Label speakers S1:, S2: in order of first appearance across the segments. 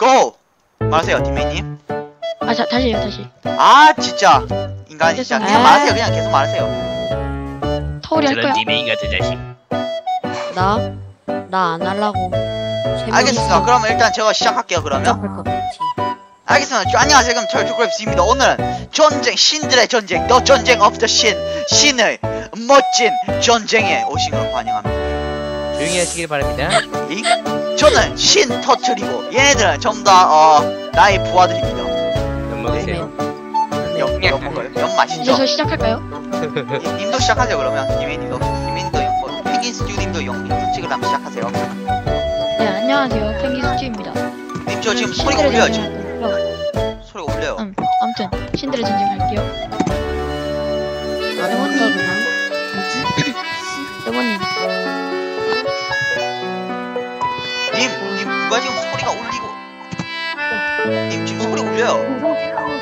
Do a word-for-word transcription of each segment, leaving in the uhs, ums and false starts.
S1: 고! 말하세요 팀메이님.
S2: 아 자, 다시요 다시.
S1: 아 진짜 인간이 진짜 그냥
S2: 아.
S1: 말하세요. 그냥 계속 말하세요.
S2: 터울이 할 거야.
S3: 님의 같은 자식.
S4: 나? 나 안 하려고.
S1: 알겠습니다. 그러면 일단 제가 시작할게요. 그러면
S4: 할것 같지.
S1: 알겠습니다. 저, 안녕하세요. 그럼 철쭉그랩스입니다. 오늘은 전쟁, 신들의 전쟁, 더 전쟁 오브 더 신, 신의 멋진 전쟁에 오신 걸 환영합니다.
S3: 조용히 하시길 바랍니다.
S1: 이? 저는 신 터트리고 얘네들은 전부 다 어, 나의 부하들입니다.
S3: 연 먹으세요.
S1: 연, 연 먹어요? 연
S2: 이제
S1: 맛있죠?
S2: 저 시작할까요?
S1: 님- 님도 시작하세요. 그러면 김혜님도 김혜님도 연, 뭐, 펭귄 스튜님도 연, 연 찍으려면 시작하세요.
S2: 네 안녕하세요 펭귄 스튜입니다.
S1: 님 저 지금 소리가
S2: 신들의
S1: 울려요.
S2: 전쟁
S1: 지금
S2: 할 거고요.
S1: 소리가 울려요.
S2: 음, 아무튼 신들의 전쟁 할게요. 레몬님. 레몬님.
S1: 님, 님 누가 지금 소리가 울리고 님 지금 소리 울려요.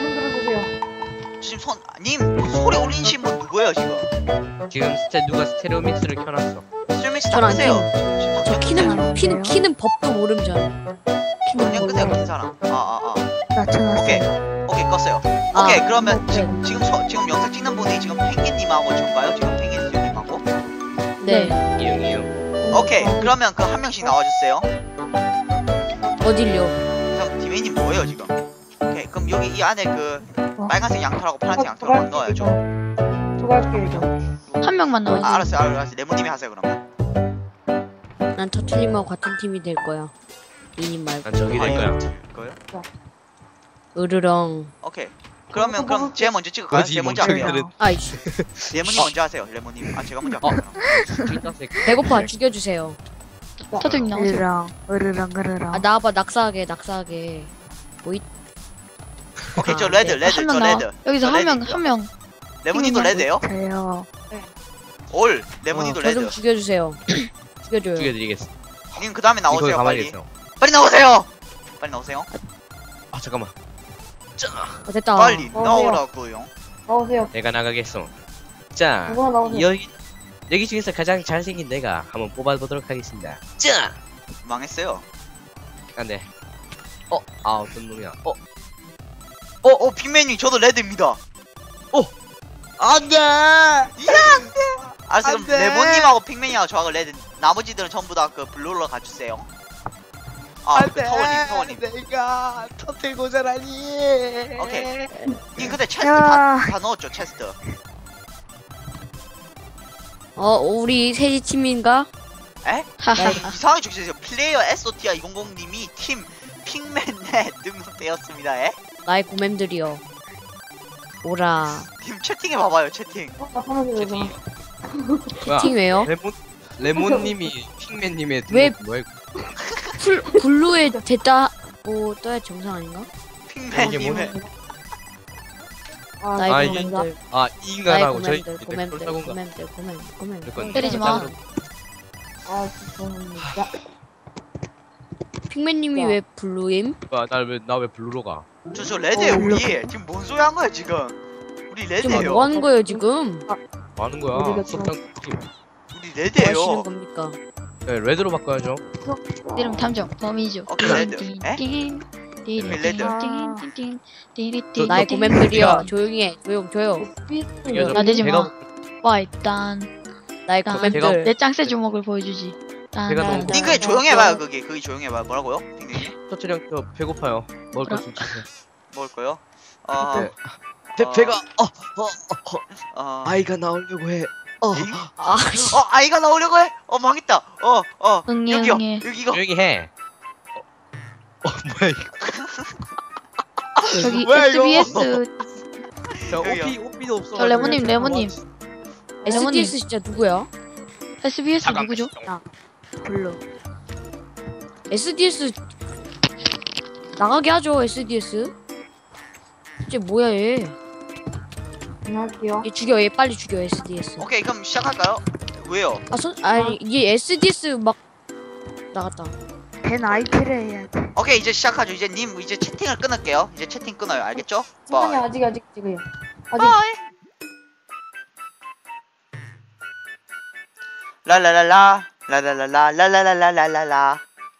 S1: 지금 손, 님 소리 울리신 분 누구예요 지금?
S3: 지금 스테 누가 스테레오 믹스를 켜놨어.
S1: 스트리밍스
S4: 저는 안
S1: 닦으세요. 지금
S4: 저
S1: 닦으세요.
S4: 키는 키는 키는 법도 모름 전.
S1: 그냥 끄세요 긴 사람. 아아 아.
S5: 낮춰놨어요.
S1: 오케이 오케이 껐어요.
S4: 아,
S1: 오케이 그러면
S4: 네.
S1: 지금 지금 서, 지금 영상 찍는 분이 지금 펭귄님하고 저인가요? 지금 펭귄 스튜님하고?
S4: 네.
S3: 이용 이용.
S1: 오케이 그러면 그 한 명씩 나와주세요.
S4: 어딜요?
S1: 그럼 디메이님 뭐예요 지금? 오케이 그럼 여기 이 안에 그
S5: 어.
S1: 빨간색 양털하고 파란색 양털하고 넣어야죠.
S5: 도와줄게요.
S2: 한 명만 나와주세요.
S1: 아, 알았어요 알았어요. 레모님이 하세요 그러면.
S4: 난 터틀님하고 같은 팀이 될 거야. 이님 말고.
S3: 난 저기 될 거야.
S1: 거요?
S4: 으르렁.
S1: 오케이. 그러면 그럼 제가 먼저 찍을까요?
S3: 거지
S1: 제가 먼저
S3: 멍청이들은.
S1: 할게요.
S4: 아이씨.
S1: 레모님 먼저 하세요. 레모님. 아 제가 먼저 할게요.
S4: 배고파 죽여주세요.
S2: 터득 나오세요.
S5: 으르렁, 으르렁, 으르렁.
S4: 아 나와봐 낙사하게 낙사하게. 뭐이?
S1: 오케이 저
S4: 아,
S1: 레드
S4: 네.
S1: 레드
S2: 한
S1: 저
S2: 명 나와.
S1: 레드.
S2: 여기서
S1: 저
S2: 한 명
S1: 레드입니다.
S2: 한 명.
S1: 레모님도 레드예요?
S5: 저요.
S1: 올 레모님도
S4: 어, 저 좀
S1: 레드.
S4: 죽여주세요. 죽여줘요.
S3: 죽여드리겠어.
S1: 님 그 다음에
S3: 이거
S1: 나오세요
S3: 가만히
S1: 빨리.
S3: 있어.
S1: 빨리 나오세요. 빨리 나오세요.
S3: 아 잠깐만.
S4: 어, 됐다.
S1: 빨리
S5: 나오세요.
S1: 나오라고요.
S5: 나오세요.
S3: 내가 나가겠어. 자
S5: 누구나 나오세요.
S3: 여기 여기 중에서 가장 잘생긴 내가 한번 뽑아보도록 하겠습니다. 자.
S1: 망했어요.
S3: 안돼. 어, 아 어떤 놈이야? 어,
S1: 어, 어 빅맨님 저도 레드입니다.
S3: 안돼.
S1: 알았어 그럼
S3: 안 돼.
S1: 레모님하고 빅맨이하고 저하고 레드. 나머지들은 전부 다 그 블루로 가주세요. 아, 그 터원님, 터원님.
S3: 내가 터틀고자라니.
S1: 오케이. 님 근데 체스트
S5: 야.
S1: 다, 다 넣었죠 체스트.
S4: 어 우리 셋이 팀인가?
S1: 에?
S2: 하하.
S1: 이상하게 적으세요. 플레이어 에스오티아 이백님이 팀 핑맨에 등록되었습니다. 에?
S4: 나의 고맴들이여. 오라.
S1: 님 채팅해 봐봐요 채팅.
S5: 어, 나 화나게 되죠.
S3: 뭐야?
S4: 팀 왜요?
S3: 레몬 레몬님이 핑맨님의
S4: 왜-
S3: 등록 뭐야?
S4: 풀 블루에 됐다고 떠야 정상 아닌가?
S1: 핑맨님의
S5: 아,
S4: 나의
S3: 아, 이게-
S4: 고맴들.
S3: 아 이 인간하고 저희
S4: 고맴들 고맴들 고맴들 고맴들 고맴들.
S3: 그건
S2: 때리지 마.
S5: 아, 죄송합니다.
S4: 픽맨님이
S5: 야.
S4: 왜 블루임?
S3: 나왜나 왜 블루로 가?
S1: 저 저 레드에
S5: 어,
S1: 우리 지금 뭔 소리 한 거야 지금? 우리
S4: 지금
S1: 레드예요.
S4: 뭐 하는 거예요 지금?
S3: 뭐 하는 거야?
S5: 우리가
S3: 속상 팀.
S1: 우리
S4: 뭐
S1: 레드예요.
S4: 하시는 겁니까?
S3: 네, 레드로 바꿔야죠.
S2: 이름 탐정 범이죠.
S1: 오케이, 레드. 에?
S2: 띵, 띵,
S1: 왜 레드?
S2: 띵, 띵, 띵, 띵, 띵,
S4: 나의
S2: 띵,
S4: 고맴들이여
S3: 띵.
S4: 조용히 해 조용 조용.
S3: 이겨줘.
S2: 나대지 마.
S3: 제가-
S2: 와 일단
S4: 나의
S2: 난
S4: 고맴들.
S2: 내 짱새 주먹을 보여주지.
S3: 제가 너무-
S1: 님 그냥 조용해봐요 거기 거기 조용해봐요. 뭐라고요? 핑맨님
S3: 터트령 저 배고파요. 먹을
S2: 그래?
S3: 거좀 주세요.
S1: 먹을 거요? 어,
S3: 네. 배
S1: 어.
S3: 배가 어, 어, 어, 어.
S1: 어,
S3: 아이가 나오려고 해. 어.
S1: 잉?
S4: 아
S1: 어 아이가 나오려고 해? 어 망했다. 어, 어
S2: 응애,
S1: 여기요.
S2: 응애.
S1: 여기 이거.
S3: 조용히 해. 어, 어 뭐야 이거?
S2: 저기
S3: 뭐야, 이거?
S2: 에스비에스
S3: 저
S1: 여기요.
S3: 오피 오피도 없어.
S2: 저 레몬님, 레몬님.
S4: 에스디에스 진짜 누구야?
S2: 에스비에스
S3: 잠깐.
S2: 누구죠?
S4: 블루. 에스디에스 나가게 하죠 에스디에스. 이제 뭐야 얘?
S5: 안녕하세요.
S4: 얘 죽여 얘 빨리 죽여 에스디에스.
S1: 오케이 그럼 시작할까요? 왜요?
S4: 아 선 아니 이게 에스디에스 막 나갔다.
S5: 벤 아이피를 해야 돼.
S1: 오케이 이제 시작하죠. 이제 님 이제 채팅을 끊을게요. 이제 채팅 끊어요. 알겠죠?
S5: 시간이
S1: 바이.
S5: 아직 아직 지금요. 아직
S1: 바이. 라라라라 라라라라 라라라라라라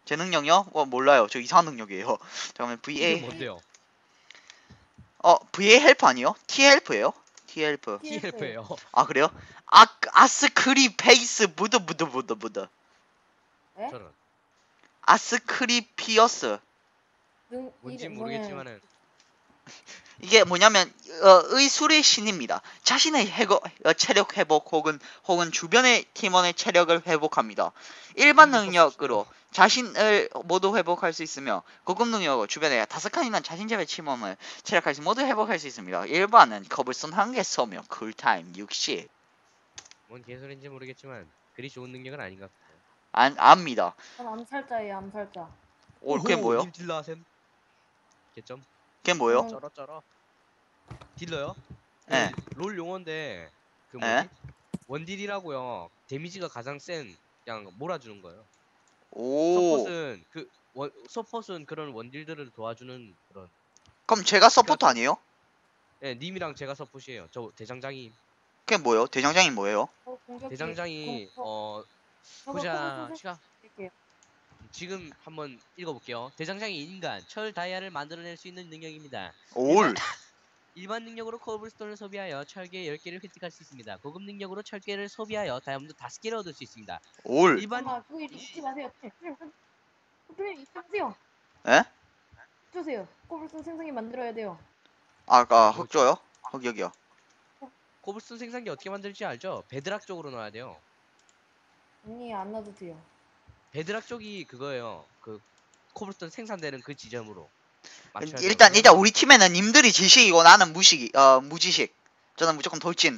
S1: 제 능력이요? 어 몰라요. 저 이상한 능력이에요. 잠깐만
S3: 이게
S1: 브이에이
S3: 뭔데요?
S1: 어 브이에이 헬프 아니요? T 헬프예요? T 헬프.
S3: 티엘프예요.
S1: 아 그래요? 아 아스크리 페이스 무드 무드 무드 무드.
S5: 네?
S3: 저런.
S1: 아스크리피어스.
S5: 능,
S3: 뭔지
S5: 이름-
S3: 모르겠지만은
S1: 이게 뭐냐면 어, 의술의 신입니다. 자신의 회거, 어, 체력 회복 혹은 혹은 주변의 팀원의 체력을 회복합니다. 일반
S3: 이거
S1: 능력으로 자신을 모두 회복할 수 있으며 고급 능력으로 주변에 다섯 칸이나 자신 제외 팀원을 체력할 수 모두 회복할 수 있습니다. 일반은 커블스톤 한 개 쏘며 쿨타임 육십.
S3: 뭔 개소리인지 모르겠지만 그리 좋은 능력은 아닌 것 같아요.
S1: 안 압니다.
S5: 전 암살자예요, 암살자.
S1: 오, 그게 뭐요?
S3: 님 딜러 하셈. 개점.
S1: 그게 뭐요?
S5: 저는-
S3: 쩔어 쩔어. 딜러요?
S1: 예.
S3: 그 롤 용어인데 그 뭐지?
S1: 예?
S3: 원딜이라고요. 데미지가 가장 센 그냥 몰아주는 거예요.
S1: 오.
S3: 서폿은 그 원, 서폿은 그런 원딜들을 도와주는 그런.
S1: 그럼 제가 서포터 아니에요?
S3: 예, 님이랑 제가 서폿이에요. 저 대장장이.
S1: 그게 뭐요? 대장장이 뭐예요?
S5: 저 공격기-
S3: 대장장이
S5: 저-
S3: 어
S5: 저거
S3: 보자
S5: 커블스톤
S3: 시간
S5: 드릴게요.
S3: 지금 한번 읽어볼게요. 대장장이 인간 철 다이아를 만들어낼 수 있는 능력입니다.
S1: 올.
S3: 일반 능력으로 코블스톤을 소비하여 철계 열 개를 획득할 수 있습니다. 고급 능력으로 철계를 소비하여 다이아몬드 다섯 개를 얻을 수 있습니다.
S1: 올.
S3: 일반
S5: 잠깐만, 그거 잊- 잊지 마세요. 님 잊지 마세요.
S1: 에?
S5: 주세요. 코블스톤 생성기 만들어야 돼요.
S1: 아까 흑 줘요? 흑 여기요.
S3: 코블스톤 생산기 어떻게 만들지 알죠? 베드락 쪽으로 넣어야 돼요.
S5: 아니, 안 놔도 돼요.
S3: 베드락 쪽이 그거예요. 그 코블스톤 생산되는 그 지점으로. 맞춰야 돼요.
S1: 일단 일단 우리 팀에는 님들이 지식이고 나는 무식이 어 무지식. 저는 무조건 돌진.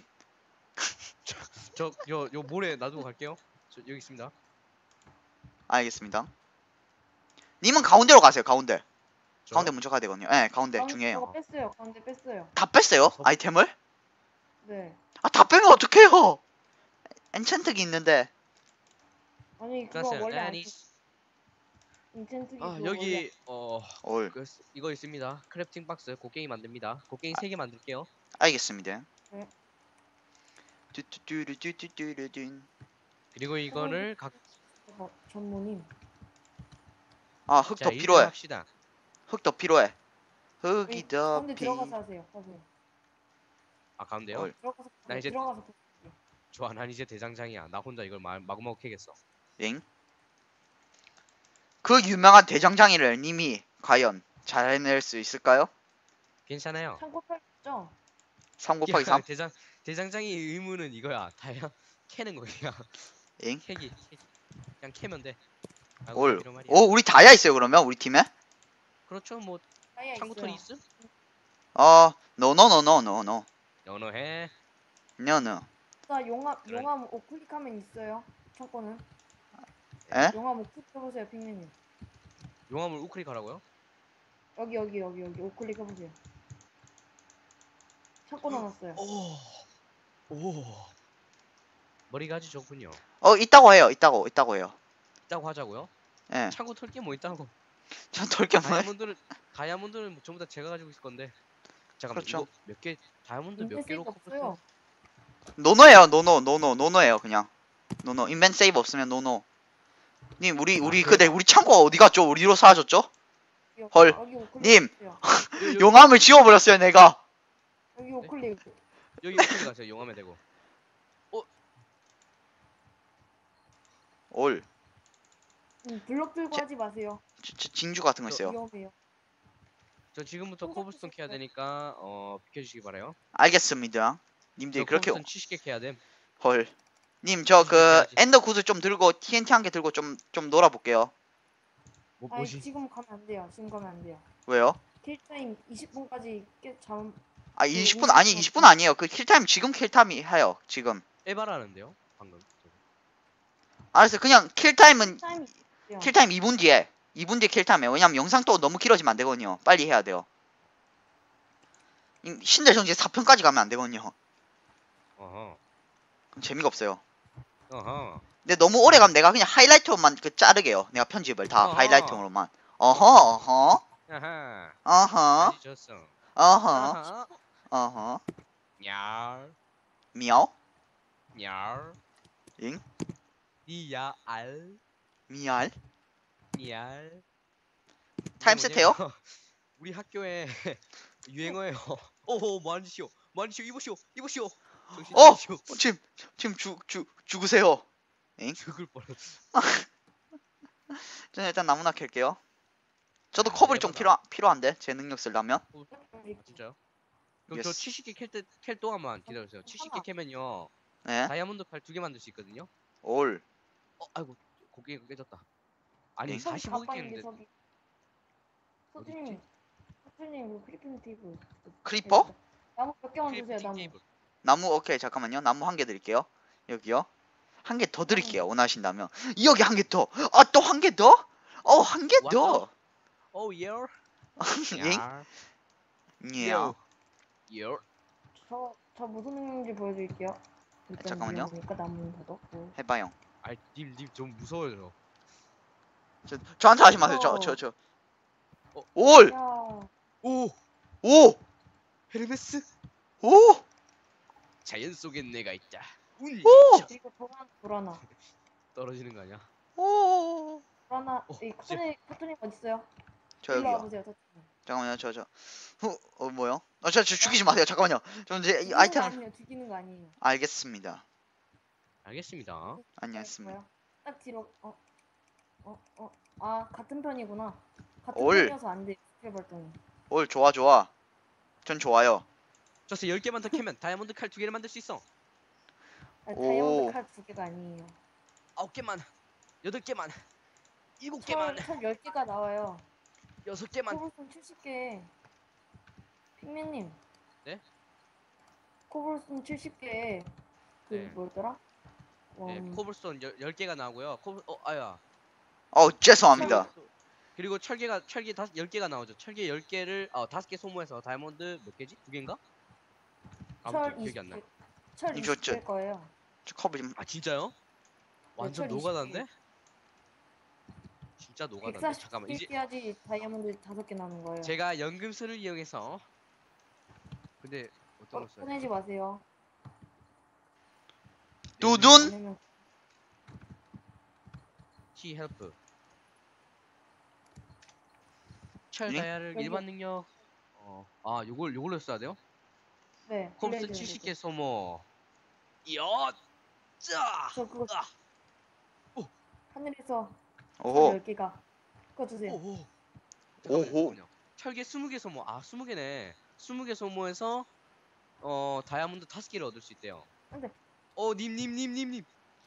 S3: 저요 요 모래 놔두고 갈게요. 저 여기 있습니다.
S1: 알겠습니다. 님은 가운데로 가세요. 가운데.
S3: 저
S1: 가운데 먼저 가야 되거든요. 예, 가운데
S5: 가운데
S1: 중요해요.
S5: 저거 뺐어요. 가운데 뺐어요.
S1: 다 뺐어요? 아이템을?
S5: 네.
S1: 아, 다 빼면 어떡해요? 엔찬트기 있는데.
S5: 아니, 그거
S3: 끝났어요.
S5: 원래 안
S3: 아니,
S5: 인텐트기
S3: 아
S5: 그거 원래
S3: 여기 어
S1: 올.
S3: 그, 이거 있습니다. 크래프팅 박스 곡괭이 만듭니다. 곡괭이 세 개 만들게요.
S1: 알겠습니다.
S5: 네.
S1: 뚜뚜뚜루뚜뚜뚜뚜.
S3: 그리고 이거를 각
S5: 어, 전무님.
S1: 아, 흙
S3: 자,
S1: 더
S3: 일단
S1: 필요해.
S3: 합시다.
S1: 흙 더 필요해. 흙이
S5: 여기
S1: 더
S5: 가운데
S1: 필.
S5: 들어가서 하세요. 하세요.
S3: 아 가운데요?
S1: 헐.
S5: 들어가서
S3: 나 이제-
S5: 들어가서
S3: 좋아, 난 이제 대장장이야. 나 혼자 이걸 마, 마구마구 캐겠어.
S1: 엥? 그 유명한 대장장이를 님이 과연 잘 해낼 수 있을까요?
S3: 괜찮아요.
S5: 창고 펼죠?
S1: 삼 곱하기
S3: 야,
S1: 삼?
S3: 대장 대장장이 의무는 이거야. 다야 캐는 거 그냥.
S1: 엥?
S3: 캐기, 캐기. 그냥 캐면 돼. 아이고,
S1: 올.
S3: 이런 말이야.
S1: 오, 우리 다야 있어요, 그러면? 우리 팀에?
S3: 그렇죠. 뭐
S5: 다이아
S3: 창고털이
S5: 있어요.
S3: 있음?
S1: 어, 노노노노노노.
S3: 연어해.
S1: 노노.
S5: 나 용암
S3: 그래.
S5: 용암 오클릭하면 있어요. 창고는.
S1: 에?
S5: 용암 오클릭 해보세요, 핑맨님.
S3: 용암을 우클릭하라고요?
S5: 여기 여기 여기 여기 오클릭 해보세요. 창고 넣어놨어요.
S3: 오. 오. 머리가 아주 좋군요.
S1: 어, 있다고 해요. 있다고, 있다고 해요.
S3: 있다고 하자고요?
S1: 예.
S3: 창고 털 게 뭐 있다고?
S1: 전 돌겸을.
S3: 다이아몬드는 다이아몬드는 전부 다 제가 가지고 있을 건데. 잠깐만
S1: 그렇죠.
S3: 이거 몇 개 다이아몬드 몇
S5: 인벤
S3: 개로
S5: 세이브 없어요.
S3: 커플
S1: 노노예요, 노노, 노노, 노노예요, 그냥. 노노. 인벤 세이브 없으면 노노. 님, 우리, 우리,
S3: 아,
S1: 그대, 우리 창고 어디 갔죠? 우리로 사라졌죠?
S5: 여기,
S1: 헐.
S5: 여기 오클릭
S1: 님.
S5: 해보세요.
S1: 용암을 지워버렸어요, 내가.
S5: 여기 오클릭.
S3: 여기 우클릭 하세요. 용암에 대고.
S1: 올.
S5: 음, 블럭 들고
S1: 제-
S5: 하지 마세요.
S1: 지- 지- 징주 같은 거
S3: 저-
S1: 있어요.
S5: 위험해요.
S3: 저 지금부터
S5: 혼자
S3: 코블스톤 캐야
S5: 드실
S3: 되니까 어 비켜주시기 바라요.
S1: 알겠습니다. 님들이
S3: 저
S1: 그렇게,
S3: 코블스톤 칠십 개 캐야 됨.
S1: 헐. 님, 저 그,
S3: 해야지.
S1: 엔더 구슬 좀 들고, 티엔티 한 개 들고 좀, 좀 놀아볼게요.
S3: 뭐
S5: 아니
S3: 뭐지?
S5: 지금 가면 안 돼요. 지금 가면 안 돼요.
S1: 왜요?
S5: 킬타임 이십 분까지 깨 잠.
S1: 아,
S5: 그
S1: 이십 분, 아니,
S5: 음식
S1: 이십 분 아니에요. 그 킬타임, 지금 킬타임이 해요, 지금.
S3: 에바라는데요? 방금.
S1: 알았어요. 그냥 킬타임은,
S5: 타임 있어요.
S1: 킬타임 이 분 뒤에. 이 분 뒤에 킬타임이에요. 왜냐면 영상 또 너무 길어지면 안 되거든요. 빨리 해야 돼요. 이- 신들정지 사 편까지 가면 안 되거든요.
S3: 어허.
S1: 그럼 재미가 없어요.
S3: 어허.
S1: 근데 너무 오래 가면 내가 그냥 하이라이트로만 그 자르게요. 내가 편집을 다
S3: 어허.
S1: 하이라이트로만. 어허, 어허,
S3: 아하.
S1: 어허,
S3: 아주 좋소.
S1: 어허,
S3: 아하.
S1: 어허.
S3: 얄.
S1: 미야오?
S3: 얄.
S1: 잉?
S3: 니야 알.
S1: 미알?
S3: 미알.
S1: 타임
S3: 이게
S1: 세트요?
S3: 뭐냐면 우리 학교에 유행어예요. 오호 뭐하시오 뭐하시오 이보시오 이보시오. 정신
S1: 어!
S3: 차리시오.
S1: 어, 지금 지금 죽 죽 죽으세요.
S3: 죽을 뻔했어.
S1: 저는 일단 나무나 캘게요. 저도
S3: 야,
S1: 커블이 좀
S3: 에바다.
S1: 필요 필요한데 제 능력 쓰려면.
S3: 진짜요? 그럼 저
S1: 예스.
S3: 칠십 개 캘 때 캘 동안만 기다려주세요. 칠십 개 캐면요
S1: 네.
S3: 다이아몬드 칼 두 개 만들 수 있거든요.
S1: 올.
S3: 어 아이고 고개가 깨졌다. 아니
S1: 응?
S3: 사십오 개
S5: 가까이인데
S3: 깼는데
S5: 저기. 소주님, 소주님 그 크리핑 테이블.
S1: 크리퍼?
S5: 나무 몇 개만 주세요.
S3: 크래프팅
S5: 나무.
S3: 테이블.
S1: 나무 오케이 잠깐만요. 나무 한 개 드릴게요. 여기요. 한 개 더 드릴게요. 원하신다면. 여기 한 개 더. 아 또 한 개 더? 어 한 개 더.
S3: 오 예.
S1: 잉? 예.
S3: 요. 요.
S5: 저, 저 무슨 능력인지 보여드릴게요. 일단
S1: 잠깐만요.
S5: 위험하니까 나무는 더 넣고.
S1: 해봐요.
S3: 아이 님님 좀 무서워요.
S1: 저 저한테 하지 마세요. 저 저 저.
S3: 어.
S1: 올.
S5: 야,
S3: 오
S1: 오.
S3: 헤르메스.
S1: 오.
S3: 자연 속엔 내가 있다. 운.
S5: 그리고 도란, 도라나.
S3: 떨어지는 거 아니야?
S1: 오.
S5: 도라나,
S3: 어,
S5: 이 카토님, 카토님 어딨어요?
S1: 저
S5: 일로
S1: 여기요.
S5: 와보세요. 저,
S1: 잠깐만요. 저 저. 후. 어 뭐요? 어저 저 죽이지 마세요. 잠깐만요. 저 이제 이
S5: 죽이는 거
S1: 아이템을
S5: 아니에요. 죽이는 거 아니에요.
S1: 알겠습니다.
S3: 알겠습니다.
S1: 안녕했습니다.
S5: 뭐야? 딱 뒤로, 어, 어, 어. 아, 같은 편이구나. 같은
S1: 올.
S5: 편이어서 안 돼. 스킬 발동이.
S1: 올 좋아 좋아. 전 좋아요.
S3: 저서 열 개만 더 캐면 다이아몬드 칼 두 개를 만들 수 있어.
S5: 아니,
S1: 오.
S5: 다이아몬드 칼 두 개가 아니에요.
S3: 아홉 개만. 여덟 개만. 일곱
S5: 철,
S3: 개만.
S5: 철 열 개가 나와요.
S3: 여섯 개만.
S5: 코블스톤 칠십 개. 핑맨님.
S3: 네?
S5: 코블스톤 칠십 개. 그
S3: 네.
S5: 뭐였더라?
S3: 네,
S5: 음,
S3: 코블스톤 열, 열 개가 나오고요. 코블 어 아야.
S1: 어 죄송합니다.
S3: 그리고 철개가 철개 다섯 열 개가 나오죠. 철개 열 개를 어 다섯 개 소모해서 다이아몬드 몇 개지? 두 개인가?
S5: 철
S3: 아무튼 기억이
S5: 이십
S3: 안 나.
S5: 개. 철
S1: 이거
S5: 이십
S1: 저-
S5: 개일 거예요.
S1: 저 커브 좀.
S3: 아 진짜요? 완전
S5: 철 이십
S3: 노가다인데? 진짜 노가다인데. 잠깐만 이제
S5: 백사십 개 해야지 다이아몬드 다섯 개 나는 거예요.
S3: 제가 연금술을 이용해서 근데 어떤
S5: 어,
S3: 걸 써야
S5: 꺼내지 마세요.
S1: 두둔?
S5: 왜냐면
S3: 키 헬프 철
S1: 예?
S3: 다이아를
S5: 여기.
S3: 일반 능력 어아 요걸 요걸로 써야 돼요?
S5: 네.
S3: 콤스
S5: 블레이드
S3: 칠십 개
S5: 해주세요.
S3: 소모 이야 짜
S5: 저 그거
S3: 아. 오.
S5: 하늘에서
S1: 오호.
S5: 열 개가 그거 주세요.
S3: 오호
S1: 오호.
S3: 철개 스무 개 소모 아 스무 개네 스무 개 소모해서 어 다이아몬드 다섯 개를 얻을 수 있대요.
S5: 안돼.
S3: 어 님 님 님 님님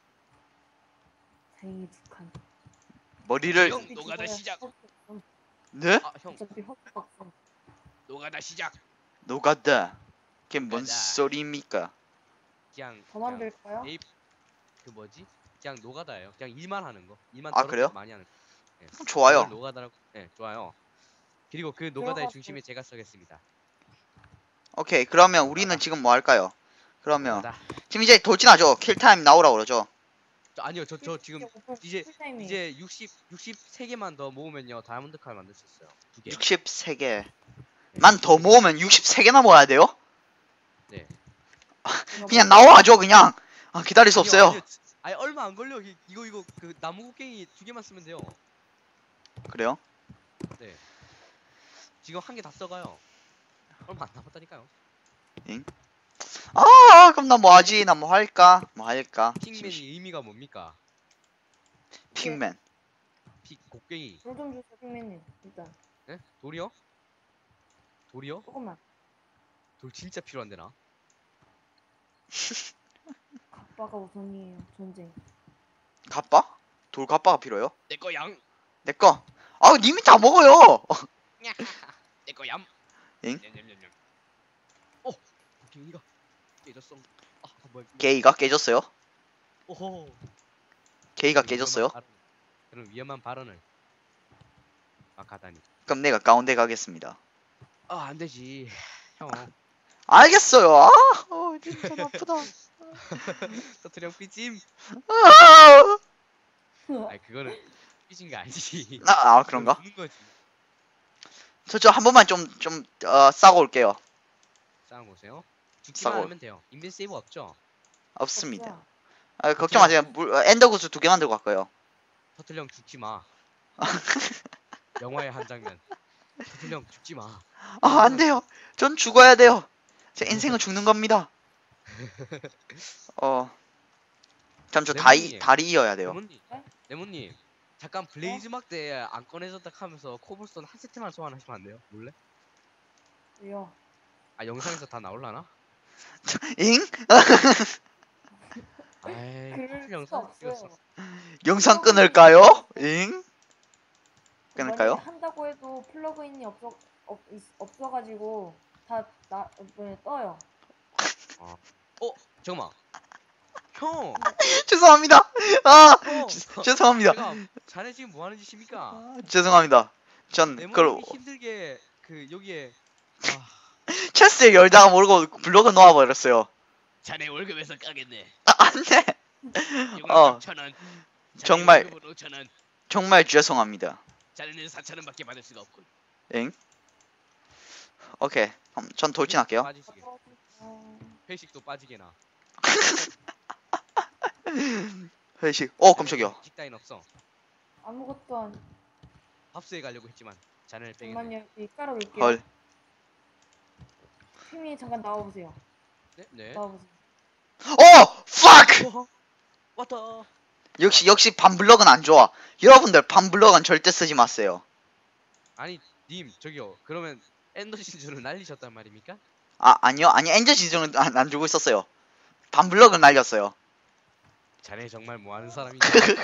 S5: 다행히 두 칸.
S1: 머리를.
S3: 형, 노가다
S5: 죽어야
S3: 시작.
S5: 헛- 음,
S1: 네?
S3: 아형
S5: 어차피 헛박성.
S3: 노가다 시작
S1: 노가다. 그게 뭔
S3: 노가다.
S1: 소리입니까?
S3: 그냥
S5: 더
S3: 그냥
S5: 만들까요?
S3: 네이- 그 뭐지 그냥 노가다예요. 그냥 일만 하는 거 일만
S1: 아,
S3: 더럽게
S1: 그래요?
S3: 많이 하는 거. 네.
S1: 좋아요.
S3: 그걸 노가다라고 네 좋아요. 그리고 그 노가다의
S5: 들어가서-
S3: 중심에 제가 서겠습니다.
S1: 오케이 그러면 우리는 지금 뭐 할까요? 그러면
S3: 노가다.
S1: 지금 이제 돌진하죠. 킬타임 나오라고 그러죠.
S3: 저, 아니요 저 저 지금
S5: 오픈
S3: 이제-
S5: 풀타임이에요.
S3: 이제 육십 육십세 개만 더 모으면요 다이아몬드 칼 만들 수 있어요. 두 개.
S1: 육십삼 개만 더 모으면 육십삼 개나 모아야 돼요?
S3: 네.
S1: 그냥 나와줘 그냥. 아, 기다릴 수
S3: 아니요,
S1: 없어요.
S3: 아니요. 아니 얼마 안 걸려. 이- 이거 이거 그 나무 곡괭이 두 개만 쓰면 돼요.
S1: 그래요?
S3: 네. 지금 한 개 다 써가요. 얼마 안 남았다니까요.
S1: 아 그럼 나 뭐 하지? 나 뭐 할까? 뭐 할까?
S3: 핑맨이 의미가 뭡니까?
S1: 핑맨.
S3: 피 곡괭이.
S5: 돌좀 주세요, 핑맨님. 일단
S3: 네? 돌이요? 돌이요?
S5: 조금만.
S3: 돌 진짜 필요한데 나.
S5: 갑바가 우선이에요. 전쟁.
S1: 갑바? 돌 갑바가 필요해요?
S3: 내거 양.
S1: 내 거. 아 님이 다 먹어요.
S3: 내거 얌.
S1: 엥?
S3: 냠냠냠냠. 어. 곡괭이가 깨졌어. 아 뭐야?
S1: 게이가 깨졌어요?
S3: 오호.
S1: 게이가
S3: 그런
S1: 깨졌어요?
S3: 위험한 발언- 그런 위험한 발언을 막 하다니.
S1: 그럼 내가 가운데 가겠습니다.
S3: 아 안되지 형.
S1: 알겠어요. 아, 어, 진짜 나쁘다.
S3: 터트령 삐짐.
S1: 아,
S3: 아니 그거는 삐진 게 아니지.
S1: 아, 아, 그런가?
S3: 죽는 거지.
S1: 저 저 한 번만 좀 좀 어, 싸고 올게요.
S3: 싸움 보세요. 죽기만
S1: 싸고.
S3: 하면 돼요. 인벤 세이브 없죠?
S1: 없습니다.
S5: 없어요.
S1: 아, 걱정 마세요. 물, 어, 엔더 구스 두 개 만들고 갈 거예요.
S3: 터틀령 죽지 마. 영화의 한 장면. 토틀령 죽지 마.
S1: 아, 안 돼요. 전 죽어야 돼요. 제 인생은 죽는 겁니다. 어. 잠 저 다리
S3: 레몬님.
S1: 다리 이어야 돼요.
S3: 레몬님.
S5: 네?
S3: 레몬님. 잠깐 블레이즈 막대 안 꺼내졌다 하면서 코블스톤 한 세트만 소환하시면 안 돼요? 몰래?
S5: 왜요?
S3: 아 영상에서 다 나올라나?
S1: 잉?
S3: 아이
S5: 그럴
S3: 커플
S5: 수가
S3: 영상
S5: 없어요.
S3: 찍었어.
S1: 영상 끊을까요? 잉? 끊을까요?
S5: 만약에 한다고 해도 플러그인이 없어 없, 있- 없어가지고 다나 네, 떠요.
S3: 어 잠깐만. 형.
S1: 죄송합니다. 아,
S3: 형.
S1: 죄- 죄송합니다.
S3: 제가 자네 지금 뭐 하는 짓입니까?
S1: 아, 죄송합니다. 전 그걸
S3: 레몬님이 힘들게 그 여기에 아,
S1: 체스에 열다가 모르고 블록을 놓아버렸어요.
S3: 자네 월급에서 까겠네.
S1: 아, 안 돼. 어.
S3: 천 원.
S1: 정말.
S3: 오천 원.
S1: 정말 죄송합니다.
S3: 자네는 사천 원밖에 받을 수가 없군.
S1: 엥? 오케이. 그럼 전 돌진할게요.
S3: 빠지시게.
S5: 어,
S3: 회식도 빠지게나.
S1: 회식. 어, 깜짝이야.
S3: 직다인 없어.
S5: 아무것도 안.
S3: 밥수에 가려고 했지만 자네를 빼겠네.
S5: 잠만요. 여기 깔아놓을게요.
S1: 헐.
S5: 팀이 잠깐 나와보세요.
S3: 네? 네.
S5: 나와보세요.
S1: 어! fuck!
S3: 어, 왔다.
S1: 역시 역시 반블럭은 안 좋아. 여러분들 반블럭은 절대 쓰지 마세요.
S3: 아니 님 저기요. 그러면 엔더 진주를 날리셨단 말입니까?
S1: 아, 아니요. 아니 엔저 지정은 안, 안 주고 있었어요. 반블럭은 날렸어요.
S3: 자네 정말 뭐 하는 사람이냐?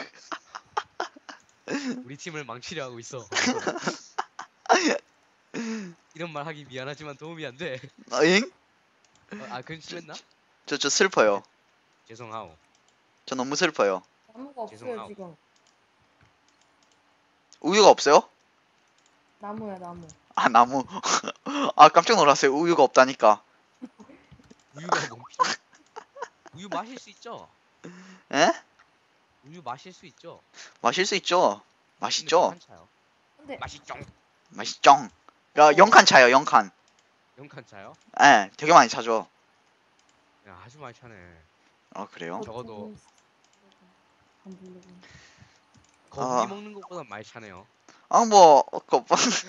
S3: 우리 팀을 망치려 하고 있어. 이런 말 하기 미안하지만 도움이 안 돼.
S1: 어, 잉?
S3: 어, 아 근심했나?
S1: 저, 저 슬퍼요.
S3: 죄송하오.
S1: 저 너무 슬퍼요.
S5: 나무가 없어요
S3: 죄송하오.
S5: 지금.
S1: 우유가 없어요?
S5: 나무야 나무.
S1: 아, 나무. 아, 깜짝 놀랐어요. 우유가 없다니까.
S3: 우유가 뭔 필요? 우유 마실 수 있죠?
S1: 에?
S3: 우유 마실 수 있죠?
S1: 마실 수 있죠.
S3: 근데
S1: 맛있죠?
S3: 몇칸 차요?
S5: 근데
S3: 맛있죠?
S1: 맛있죠? 야, 영칸 차요, 영칸.
S3: 영칸 차요?
S1: 예, 되게 많이 차죠.
S3: 야 아주 많이 차네.
S1: 아, 그래요?
S3: 적어도
S5: 안 부르고.
S3: 거북이
S1: 아.
S3: 먹는 것보다 많이 차네요.
S1: 아, 뭐, 어, 거,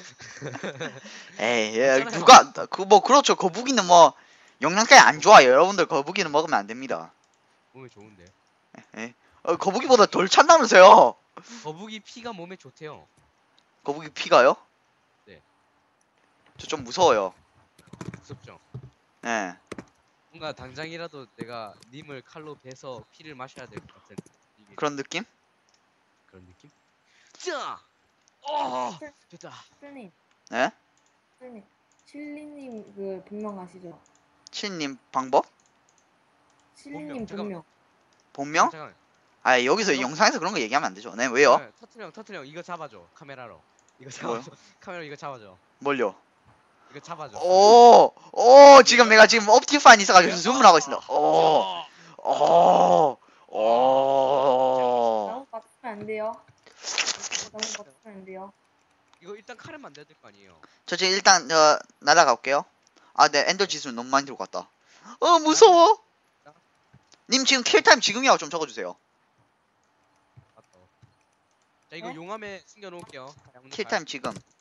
S1: 에이, 예,
S3: 괜찮아요.
S1: 누가, 그, 뭐, 그렇죠. 거북이는 뭐, 영양가에 안 좋아요. 여러분들 거북이는 먹으면 안 됩니다.
S3: 몸에 좋은데.
S1: 예? 어, 거북이보다 덜 찬다면서요?
S3: 거북이 피가 몸에 좋대요.
S1: 거북이 피가요?
S3: 네.
S1: 저 좀 무서워요.
S3: 무섭죠?
S1: 예.
S3: 뭔가 당장이라도 내가 님을 칼로 베서 피를 마셔야 될 것 같은 이게
S1: 그런 느낌?
S3: 그런 느낌? 자! 어! 됐다.
S5: 실님,
S1: 예?
S5: 실님, 실리님 그 본명 아시죠?
S1: 치님 방법?
S5: 실리님
S3: 본명,
S5: 본명.
S1: 본명?
S3: 잠깐만.
S1: 아, 여기서
S3: 이거-
S1: 영상에서 그런 거 얘기하면 안 되죠. 네, 왜요?
S3: 네, 터틀형, 터틀형 이거 잡아줘. 카메라로. 이거
S1: 뭐요?
S3: 잡아줘. 카메라 이거 잡아줘.
S1: 뭘요?
S3: 이거 잡아줘.
S1: 오, 오, 지금 내가 지금 옵티파인 있어가지고 줌을 하고 있습니다. 오,
S3: 어.
S1: 오, 오.
S5: 나무 맞으면 안 돼요. 나무 맞으면 안 돼요.
S3: 이거 일단 칼을 만들어야 될 거 아니에요.
S1: 저 지금 일단 어, 날아가 볼게요. 아, 네, 엔더 지수는 너무 많이 들고 갔다. 어, 무서워. 님 지금 킬타임 지금이라고 좀 적어주세요.
S3: 맞다. 자 이거
S5: 네?
S3: 용암에 숨겨놓을게요. 자, 형님
S1: 킬타임 지금.